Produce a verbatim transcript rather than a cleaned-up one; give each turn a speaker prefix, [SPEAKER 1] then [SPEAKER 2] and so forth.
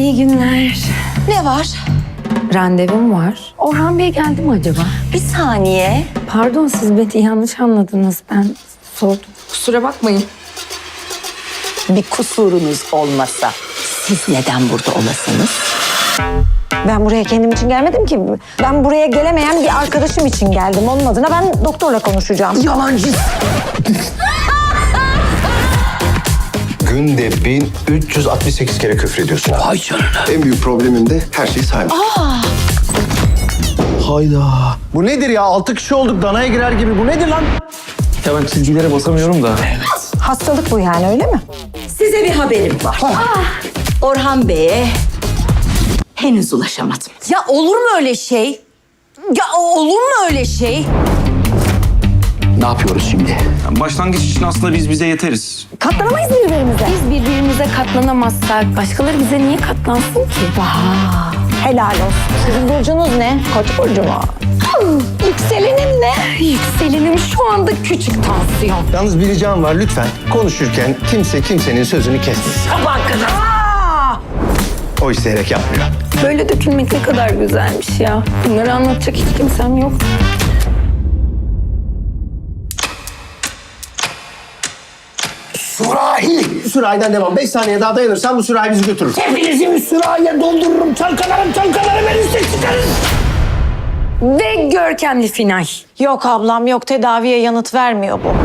[SPEAKER 1] İyi günler.
[SPEAKER 2] Ne var?
[SPEAKER 1] Randevum var. Orhan Bey geldi mi acaba?
[SPEAKER 2] Bir saniye.
[SPEAKER 1] Pardon, siz beni yanlış anladınız. Ben sordum. Kusura bakmayın.
[SPEAKER 2] Bir kusurunuz olmasa siz neden burada olasınız? Ben buraya kendim için gelmedim ki. Ben buraya gelemeyen bir arkadaşım için geldim. Onun adına ben doktorla konuşacağım.
[SPEAKER 3] Yalancı. Günde bin üç yüz altmış sekiz kere küfür ediyorsun abi.
[SPEAKER 4] Ay canına.
[SPEAKER 3] En büyük problemim de her şeyi saymak.
[SPEAKER 4] Hayda.
[SPEAKER 3] Bu nedir ya? Altı kişi olduk, danaya girer gibi. Bu nedir lan?
[SPEAKER 4] Ya ben çizgilere basamıyorum da.
[SPEAKER 2] Hastalık bu yani, öyle mi?
[SPEAKER 5] Size bir haberim var. Orhan Bey'e henüz ulaşamadım.
[SPEAKER 2] Ya olur mu öyle şey? Ya olur mu öyle şey?
[SPEAKER 4] Ne yapıyoruz şimdi?
[SPEAKER 6] Başlangıç için aslında biz bize yeteriz.
[SPEAKER 2] Katlanamayız birbirimize.
[SPEAKER 1] Biz birbirimize katlanamazsak başkaları bize niye katlansın ki?
[SPEAKER 2] Aa, helal olsun. Sizin burcunuz ne? Koç burcu mu? Hmm, yükselenim ne?
[SPEAKER 1] Yükselenim şu anda küçük tansiyon.
[SPEAKER 3] Yalnız bir ricam var lütfen. Konuşurken kimse kimsenin sözünü kesmesin.
[SPEAKER 2] Aa!
[SPEAKER 3] O isteyerek yapmıyor.
[SPEAKER 1] Böyle dökülmek ne kadar güzelmiş ya. Bunları anlatacak hiç kimsem yok.
[SPEAKER 4] Sürahi!
[SPEAKER 3] Sürahiden devam. Beş saniye daha dayanırsan bu sürahi bizi götürür.
[SPEAKER 4] Hepinizi bir sürahiye doldururum. Çalkalarım çalkalarım en üstte çıkarız.
[SPEAKER 1] Ve görkemli final.
[SPEAKER 2] Yok ablam yok, tedaviye yanıt vermiyor bu.